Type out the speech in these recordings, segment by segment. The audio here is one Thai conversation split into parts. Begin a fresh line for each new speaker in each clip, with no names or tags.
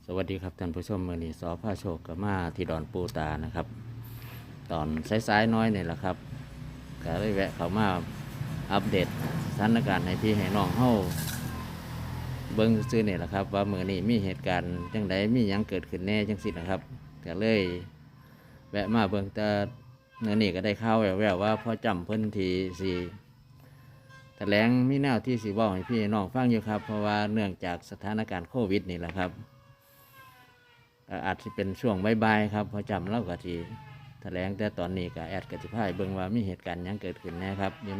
สวัสดีครับท่านผู้ชมมือนี้สอผ้าโชคกับมาที่ดอนปูตานะครับ ตอนสายๆน้อยนี่แหละครับก็ได้แวะเข้ามาอัปเดตสถานการณ์ให้พี่ให้น้องเฮาเบิ้งซื้อนี่แหละครับว่ามือนี้มีเหตุการณ์จังใดมีหยังเกิดขึ้นแน่จังสินะครับก็เลยแวะมาเบิ้งแต่เมื่อนี้ก็ได้ข่าวแววๆว่าพ่อจำเพิ่นทีสีแถลงมีแนวที่สีบอกให้พี่น้องฟังอยู่ครับเพราะว่าเนื่องจากสถานการณ์โควิดนี่แหละครับอาจจะเป็นช่วงบ่ายๆครับพอจำเล่ากับทีแถลงแต่ตอนนี้ก็แอดกติพายเบิ่งว่ามีเหตุการณ์ยังเกิดขึ้นแน่ครับอยู่ใน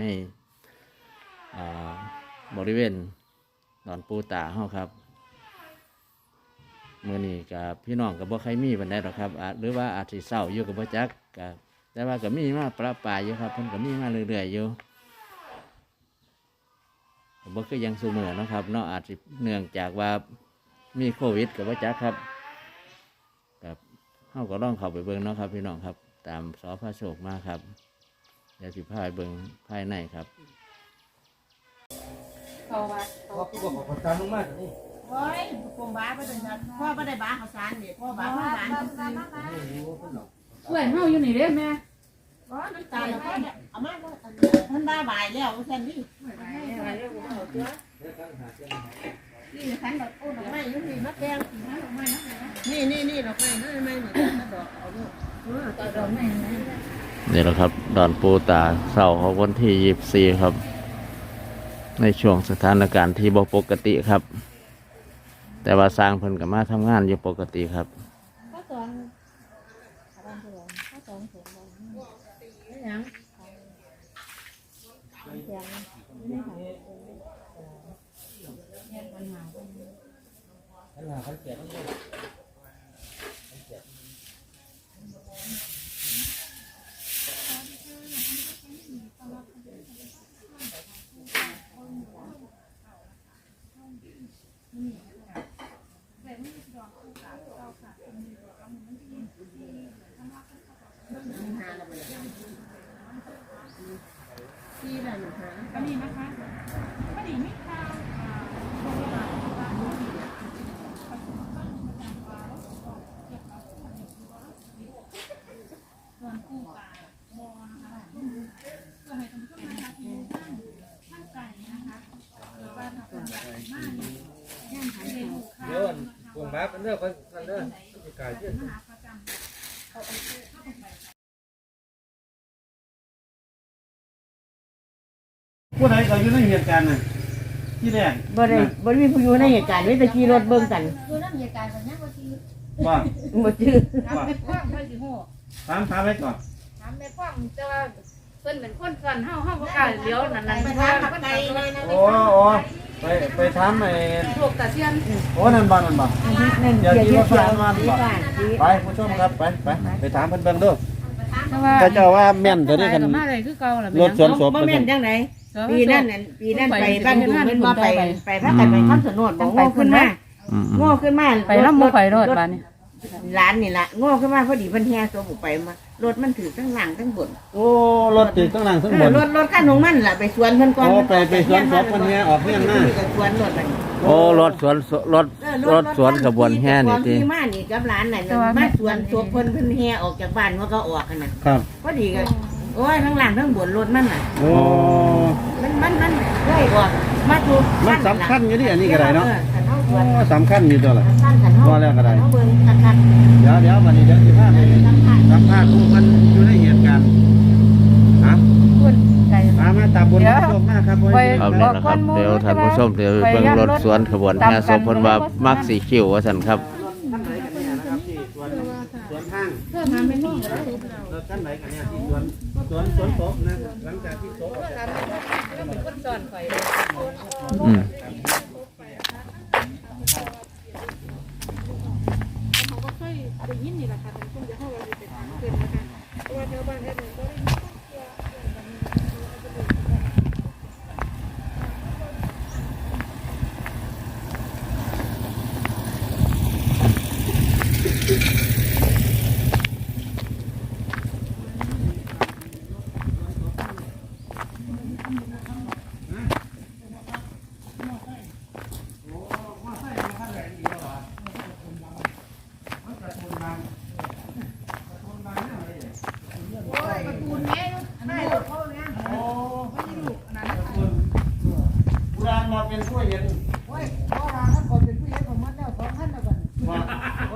บริเวณดอนปูตาเฮาครับเมื่อนี้กับพี่น้องกับบ่ใครมีบันไดหรอกครับหรือว่าอาจจะเศร้าอยู่กับบ่จักกับแต่ว่าก็มีมาประปรายอยู่ครับเพิ่นก็มีมาเรื่อยๆอยู่บ่คือยังสูมือนะครับเนาะอาจจะเนื่องจากว่ามีโควิดกับบ่จักครับเฮาก็ต้องเข้าไปเบิ่งเนาะครับพี่น้องครับตามสอพระโชคมาครับเดี๋ยวสิพาไปเบิ่งภายในครับ
เขาว่า
พ่อขอประทานลงมานี่
โอ้ยปมบ้าไปจนจะพ่อไม่ได้บ้าเขาสารเนี่ยพ่อบ้าพ่อบ้า
โอ้โหเพิ่นเนาะ
เพื่อนเฮาอยู่นี่เด้แม่
ร้อนน้ำตาลแล้วพ่อเนี่ยเอามาท่านบ้าบ่ายแล้วแค่นี้นี่ขันดอกโอ้ดอกไม้ยุ่งนี่มะแกงดอกไม้นี่ดอกไม้นั่นไม่หนึ่งดอกเอาลูกดอกไม้
นี่แหละครับดอนปูตาเสาร์ของวันที่24ครับในช่วงสถานการณ์ที่บ่ปกติครับแต่ว่าสร้างเพิ่นก็มาทำงานอยู่ปกติครับ
ข้าวสองข้าวสองเสียงบ่ยังเสียงไม่หายปัญหา
เขาแก่ทั้งหมด
ที่ไหนหนูหา
ก็นี่นะคะก็นี่มีข่าวส่วนผู้ป่าบอนะคะเพื่อให้ท่านผู้ชมนะคะที่ท่านไก่นะคะหรือว่าถ้าคนอยากมากเนี่ยย่างหายเลยลูกค้า
เดี๋ยวปงบ้าเป็นเรื่องคนเรื่องจะกลายเยอะ
มหาประจำเขาเอาเข้าไป
ผู้ใดก็อยู่ในเหตุการณ์น่ะที่แรก
บ่มีผู้อยู่ในเหตุการณ์นี่แต่ขี่รถเบิ่งกัน
คือน้ำเหตุการณ์แบบนี้บางที
ว่า
บ่ชื่อ
ถามแม่พ่วงเพื่อนสิโห
ถามไว้ก่อน
ถามแม่พ่วงแต่ว่าเพิ่นเป็นคนก่อนเฮาบ่กล้าเลี้ยวนั่น
ไป
เพราะ
ทา
ว่าง
กับ
เพิ่น
ไก่
ไป
เลยนะ
โอ้ไปถามไอ้
โลกตะเซียน
โอ้นั่นบ่เดี๋ยวที่รถไฟมาบ่ไปผู้ชมครับไปถามเพิ่นเบิ่งดู
แต่ว่า
ก็เจ้าว่าแม่นตัวนี้กัน
มาเลยคือเก่าล่ะ
รถสวนศพ
บ่แม่นจังไดปีนั้นไปบ้านดูมันบ่ไปพากันไปคำสนดบ่โง่ขึ้นมาโง่ขึ้นมา
ไปนำบ่ไปรถบาดนี้
ร้านนี่ล่ะโง่ขึ้นมาพอดีเพิ่นแห่ตัวบุไปมารถมันถือทั้งหลังทั้งบน
โอ้รถติดข้างหลังข้างบน
รถคันของมันล่ะไปสวนเพิ่นก่อน
โอ้ไปสวนศพเพิ่นแห่ออกเฮียนมา
ไปสวนรถมัน
โอ้รถสวนขบวนแห่นี่ติ
ที่มานี่กับร้านน่ะมาสวนศพเพิ่นแห่ออกจากบ้านว่าก็ออกกันน่ะ
ครับ
พอดีก็โอ้ยทั้งหลังทั้งบนรถมันน่ะ
โอ้
มันเลยออกมาถูก
มันสำคัญอยู่ดิอันนี้ก็ได้เนาะ
คันเฮาส
โอ้
วน
สำคัญอยู่ตัวละ
คันเฮา
ว่าแล้วก็ได้
เฮาเบิ่งคัก
เดี๋ยววันนี้เดี๋ยวสิพาไปสัมภาษณ์ผู้คนอยู่ในเหตุการณ์ฮะ
คุณไก่
มาตาบุญมาชมมากครับ
ไป
ครับนี่แหละครับเดี๋ยวท่านผู้ชมเดี๋ยวเบิ่งรถสวนขบวนแห่ศพเพิ่นว่ามักสีคิ้วว่าซั่นครับ
ท่านไหนกันเนี่ยนะครับที่สวนห้าง
เพื่อมาไม่น้องก็ได้
รถท่านไหนกันเนี่ยที่สวนศพนะหลังจากที่ศพ
แล้วเป็นคนสอนข่อย
อืม
เขาก็เคยได้ยินนี่แหละค่ะแต่คงจะเข้าไปเป็นทางเกินนะคะเพราะว่าแถวบ้านแถวนึงก็ได้ยินข้อเสียแบบนี้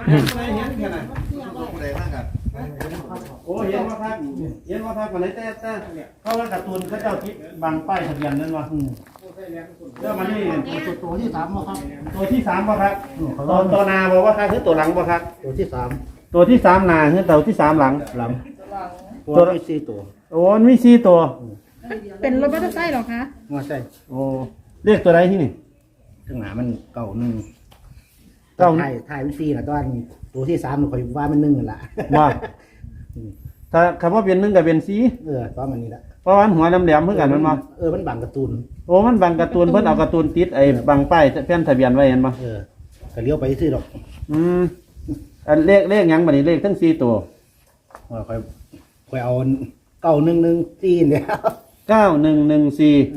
โอ้เห็นว่าพักมาไหนแต่เขาว่าการ์ตูนเขาเจ้าทิศบางป้ายทะเบียนนั่นวะเรื่องมันนี่ตัวที่3บ่ครับตัวที่3บ่ครับตัวนาบอกว่าครับคือตัวหลังบ่ครับตัวที่3นาคือตัวที่3หลังตัวมี4ตัวโอ้มี4ตัว
เป็นรถมอเตอร์ไซค์เหรอคะ
ว่าใช่โอ้เรียกตัวใดที่นี่
ข้างหน้ามันเก่าหนึ่ง
เก้า
ถ่ายวิซีนะตอนตัวที่3มันคอยว่ามัน1นั่นล่ะ
ว่าถ้าคำว่าเป็น1กับเป็น4
ตอนมันนี่ละ
เพราะว่าหัวแหลมๆเหมือนกันมันมา
มันบังการ์ตูน
โอ้มันบังการ์ตูนเพิ่นเอาการ์ตูนติดไอ้บังป้ายแผ่นทะเบียนไว้เห็นบ่
ก็เลี้ยวไปซื้อดอก
อันเลขหยังบัดนี้เลขทั้ง4ตัว
ว่าคอยเอา9114เนี่ย
9114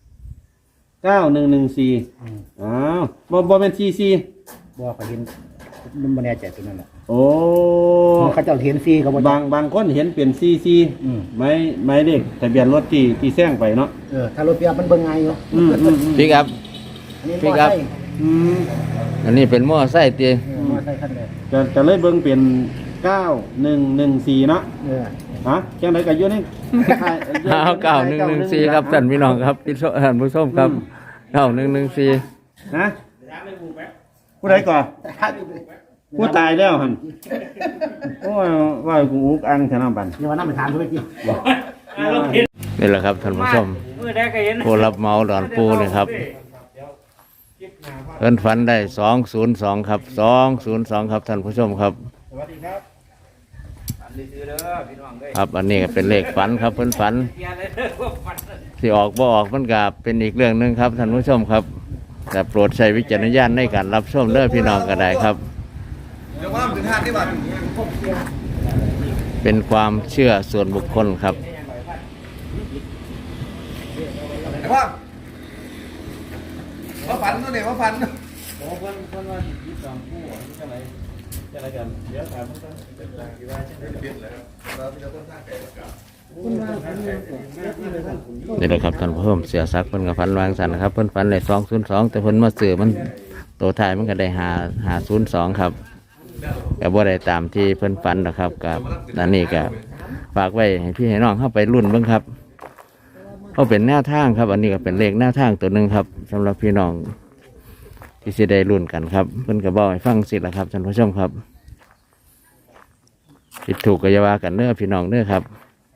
9114อ้าวบ่แม่น44
บ่คอยเห็นมันบ่แน่ใจตัวนั้นแหละ
โอ้
เขาเจ้าเห็นซีเขาบ่
บางคนเห็นเป็น44หมายเลขทะเบียนรถที่แซงไปเนาะ
ถ้ารถเปียบมันเบิ่งง่ายอยู่
พี่ครับ
อันนี้
พี่ครับ อันนี้เป็นหม้อไส้ตี
มอไซค์คันแรก
จะเลยเบิ่งเป็น9114เนาะฮะจังได๋ก็อยู่ใน
9114ครับท่านพี่น้องครับพี่ท่านผู้ชมครับ9114
ฮะผู้ใดก่อนผู้ตายแล้วหั่นโอ้ยว่ากูอุกอังชนะบัน
นี่ว่าน้ำไปทานด้วยพี่
นี่แหละครับท่านผู้ชมผู้รับเหมาดอนปูเลยครับเอิ้นฝันได้202ครับ202ครับท่านผู้ชมครับครับอันนี้ก็เป็นเลขฝันครับเพิ่นฝันที่ออกบ่ออกมันก็เป็นอีกเรื่องหนึงครับท่านผู้ชมครับแต่โปรดใช้วิจารณญาณในการรับชมเด้อพี่น้องก็ได้ครับเป็นความเชื่อส่วนบุคคลครับ
มาฝันตัวเนี่ยมาฝัน
นี่แหละครับท่านผู้ชมเสียซักเพิ่นกับฝันวางสันนะครับเพิ่นฝันได้202แต่เพิ่นมาซื้อมันตัวท้ายมันก็ได้502ครับก็บ่ได้ตามที่เพิ่นฝันนะครับกับอันนี้ก็ฝากไว้ให้พี่ให้น้องเข้าไปรุ่นเบิ่งครับเขาเป็นแนวทางครับอันนี้ก็เป็นเลขแนวทางตัวหนึ่งครับสำหรับพี่น้องที่สิได้รุ่นกันครับเพิ่นก็บอกให้ฟังสิละครับท่านผู้ชมครับผิดถูกก็อย่าว่ากันเด้อพี่น้องเด้อครับ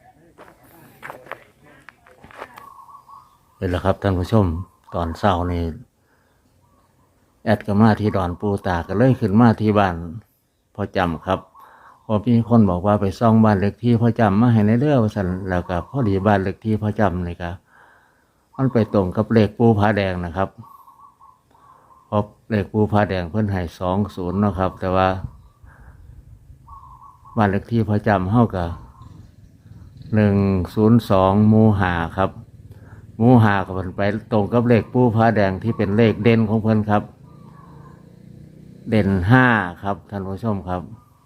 นี่แหละครับท่านผู้ชมตอนเช้านี่แอดก็มาที่ดอนปูตาก็เลยขึ้นมาที่บ้านพ่อจำครับพอพี่คนบอกว่าไปซ่องบ้านเล็กที่พ่อจำมาให้ในเรื่องว่าสันแล้วก็พอดีบ้านเล็กที่พ่อจำนี่ครับมันไปตรงกับเลขปูผาแดงนะครับเพราะเลขปูผาแดงเพิ่นให้20นะครับ แต่ว่าบ้านเล็กที่พ่อจำเท่ากับ102หมู่5ครับหมู่5ก็เพิ่นไปตรงกับเลขปูผาแดงที่เป็นเลขเด่นของเพิ่นครับเด่น5ครับท่านผู้ชมครับ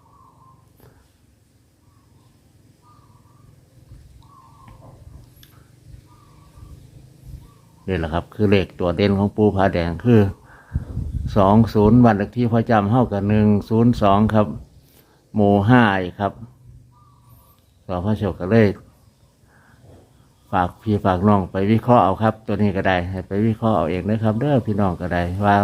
นี่แหละครับคือเลขตัวเด่นของปูผาแดงคือ20บ้านเลขที่พ่อจำเท่ากับ102ครับหมู่5อีกครับสพโชคก็เลยฝากพี่ฝากน้องไปวิเคราะห์เอาครับตัวนี้ก็ได้ให้ไปวิเคราะห์เอาเองนะครับเด้อพี่น้องก็ได้ว่า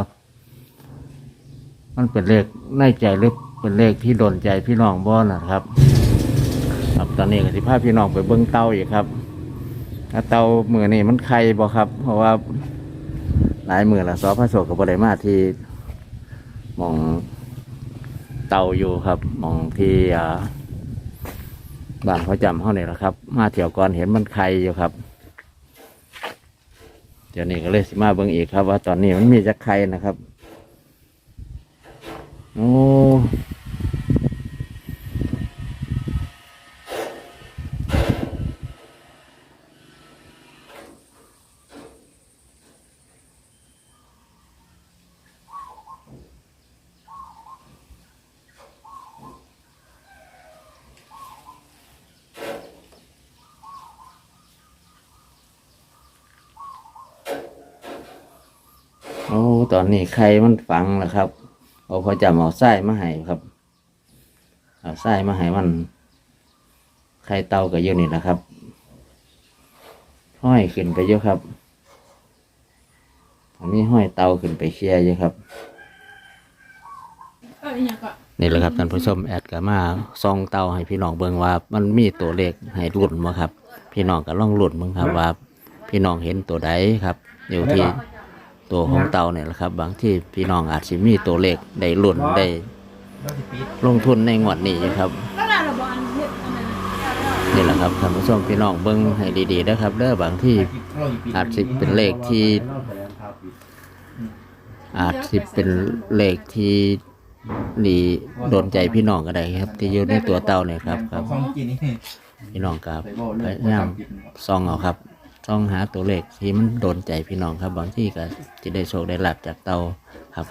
มันเป็นเลขในใจหรือเป็นเลขที่โดนใจพี่น้องบ่นะครับครับตอนนี้ก็สิพาพี่น้องไปเบิ่งเตาอีกครับเตามือนี่มันไข่บ่ครับเพราะว่าหลายมือละสพโชคกับบ่ได้มาที่หม่องเตาอยู่ครับหม่องที่บ้านเขาจำเขาเนี่ยแหละครับมาเที่ยวก่อนเห็นมันไข่อยู่ครับเดี๋ยวนี้ก็เลยสิมาเบิ่งอีกครับว่าตอนนี้มันมีจักไข่นะครับโอ้โอ้ตอนนี้ไข่มันฝังแล้วครับเอาพอจำเอาไส้มาให้ครับเอาทรายมาให้มันไข่เต่าก็อยู่นี่นะครับห้อยขึ้นไปเยอะครับอันนี้ห้อยเต่าขึ้นไปเคลียร์เยอะครับ
อีหยังก็
นี่แหละครับท่านผู้ชมแอดก็มาส่องเต่าให้พี่น้องเบิ่งว่ามันมีตัวเลขให้รุ่นบ่ครับ พี่น้องก็ลองรุ่นเบิ่งครับว่าพี่น้องเห็นตัวใดครับ อยู่ที่ตัวของเต่าเนี่ยแหละครับ บางที่พี่น้องอาจสิมีตัวเลขได้รุ่นได้ลงทุนในงวดนี้อยู่ครับ
แล้วล่ะเราบ่อันเฮ็ดอันนั้น
นี่แหละครับท่านผู้ชมพี่น้องเบิ่งให้ดีๆนะครับเด้อบางที่อาจสิเป็นเลขที่ดีโดนใจพี่น้องก็ได้ครับ ที่อยู่ในตัวเต่าเนี่ยครับครับ
ของกินนี่
พี่น้องครับพยายามส่องเอาครับส่องหาตัวเลขที่มันโดนใจพี่น้องครับ บางที่ก็จะได้โชคได้ลาภจากเต่าครับ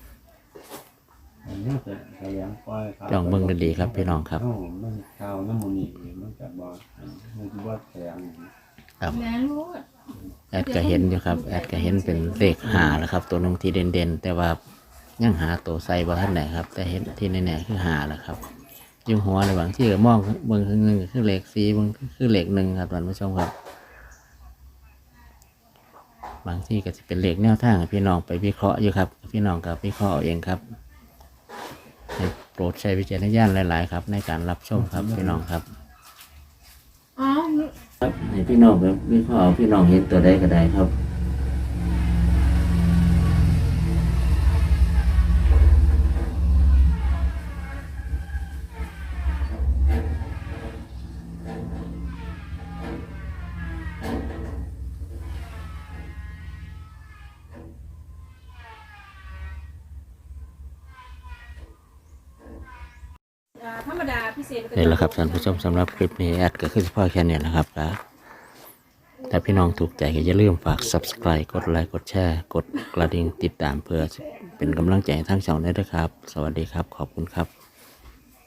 ลองเบิ่งดีๆครับพี่น้องครับ
มันข้าวน้ำมันนี่มันจะบ่มันจะบ่แข็ง
ครับ
แหนรู้
แอดก็เห็นอยู่ครับแอดก็เห็นเป็นเลขหาแล้วครับ ตัวหนึงที่เด่นๆแต่ว่ายังหาตัวใส่บ่ทันไหนครับ แต่เห็นที่แน่ๆคือหาแหละครับอยุ่หัวในบางที่ก็มองเบิ่งคือหนึ่งคือเลข4เบิ่งคือเลข1ครับท่านผู้ชมครับ บางที่ก็จะเป็นเลขแนวทางให้พี่น้องไปวิเคราะห์อยู่ครับ พี่น้องกับวิเคราะห์เอาเองครับให้โปรดใช้วิจารณญาณหลายๆครับ ในการรับชมครับพี่น้องครับ
อ๋อ
ครับให้พี่น้องแบบวิเคราะห์เอาพี่น้องเห็นตัวใดก็ได้ครับ
ธรรมดาพิเศษ
นี่แหละครับท่านผู้ชมสำหรับคลิปนี้แอดก็คือเฉพาะแค่นี้นะครับครับถ้าพี่น้องถูกใจก็อย่าลืมฝาก subscribe กดไลค์กดแชร์กดกระดิ่งติดตามเพื่อเป็นกำลังใจให้ทั้งช่องได้ด้วยครับ สวัสดีครับขอบคุณครับ